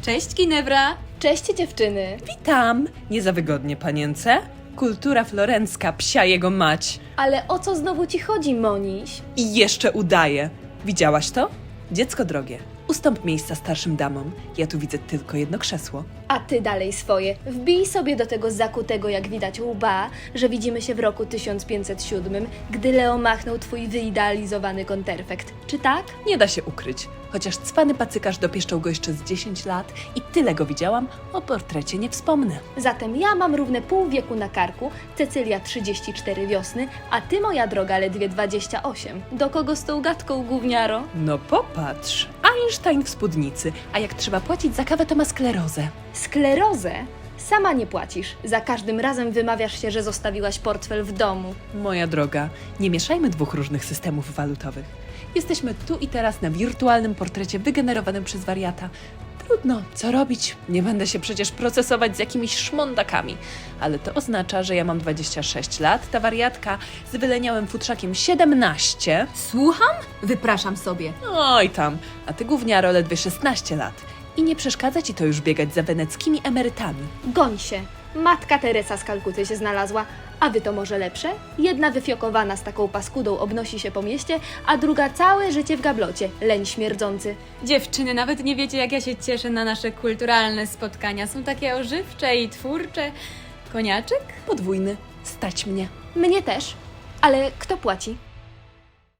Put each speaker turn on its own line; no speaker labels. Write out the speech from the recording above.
Cześć, Ginebra!
Cześć dziewczyny!
Witam! Nie za wygodnie, panience? Kultura florencka, psia jego mać.
Ale o co znowu ci chodzi, Moniś?
I jeszcze udaje. Widziałaś to? Dziecko drogie, ustąp miejsca starszym damom. Ja tu widzę tylko jedno krzesło.
A ty dalej swoje. Wbij sobie do tego zakutego, jak widać, łba, że widzimy się w roku 1507, gdy Leo machnął twój wyidealizowany konterfekt. Czy tak?
Nie da się ukryć. Chociaż cwany pacykarz dopieszczał go jeszcze z 10 lat i tyle go widziałam, o portrecie nie wspomnę.
Zatem ja mam równe pół wieku na karku, Cecylia 34 wiosny, a ty, moja droga, ledwie 28. Do kogo z tą gadką, gówniaro?
No popatrz, Einstein w spódnicy, a jak trzeba płacić za kawę, to ma sklerozę.
Sklerozę? Sama nie płacisz. Za każdym razem wymawiasz się, że zostawiłaś portfel w domu.
Moja droga, nie mieszajmy dwóch różnych systemów walutowych. Jesteśmy tu i teraz na wirtualnym portrecie wygenerowanym przez wariata. Trudno, co robić? Nie będę się przecież procesować z jakimiś szmondakami. Ale to oznacza, że ja mam 26 lat, ta wariatka z wyleniałym futrzakiem 17.
Słucham? Wypraszam sobie.
Oj tam, a ty gówniaro ledwie 16 lat. I nie przeszkadza ci to już biegać za weneckimi emerytami.
Goń się. Matka Teresa z Kalkuty się znalazła. A wy to może lepsze? Jedna wyfiokowana z taką paskudą obnosi się po mieście, a druga całe życie w gablocie. Leń śmierdzący.
Dziewczyny, nawet nie wiecie, jak ja się cieszę na nasze kulturalne spotkania. Są takie ożywcze i twórcze. Koniaczek?
Podwójny, stać mnie.
Mnie też. Ale kto płaci?